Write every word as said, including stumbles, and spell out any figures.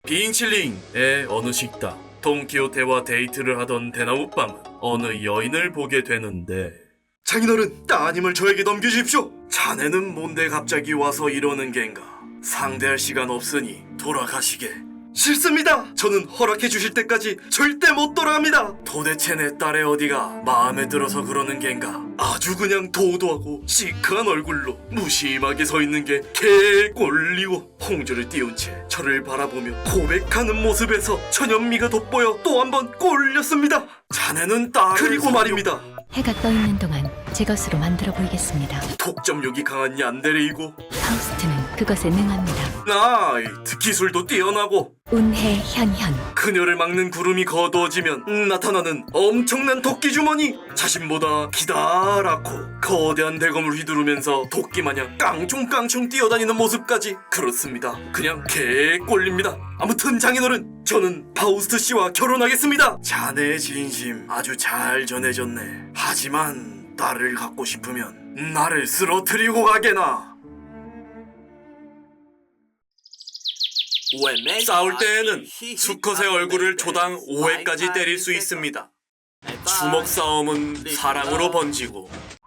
빙칠링의 어느 식당. 돈키호테와 데이트를 하던 대나무빵은 어느 여인을 보게 되는데, 장인어른, 따님을 저에게 넘겨주십시오. 자네는 뭔데 갑자기 와서 이러는 겐가? 상대할 시간 없으니 돌아가시게. 싫습니다. 저는 허락해 주실 때까지 절대 못 돌아갑니다. 도대체 내 딸의 어디가 마음에 들어서 그러는 겐가? 아주 그냥 도도하고 시크한 얼굴로 무심하게 서 있는 게 개꼴리고, 홍조를 띄운 채 저를 바라보며 고백하는 모습에서 천연미가 돋보여 또 한 번 꼴렸습니다. 자네는 딸을 그리고 성격... 말입니다. 해가 떠 있는 동안 제 것으로 만들어 보이겠습니다. 독점력이 강한 얀데레이고, 파우스트는 그것에 능합니다. 나이트 기술도 뛰어나고, 운해 현현. 그녀를 막는 구름이 거두어지면 나타나는 엄청난 도끼 주머니. 자신보다 기다랗고 거대한 대검을 휘두르면서 도끼마냥 깡총깡총 뛰어다니는 모습까지. 그렇습니다. 그냥 개꼴립니다. 아무튼 장인어른, 저는 파우스트 씨와 결혼하겠습니다. 자네의 진심 아주 잘 전해졌네. 하지만 딸을 갖고 싶으면 나를 쓰러뜨리고 가게나. 싸울 때에는 수컷의 얼굴을 초당 오 회까지 때릴 수 있습니다. 주먹 싸움은 사랑으로 번지고,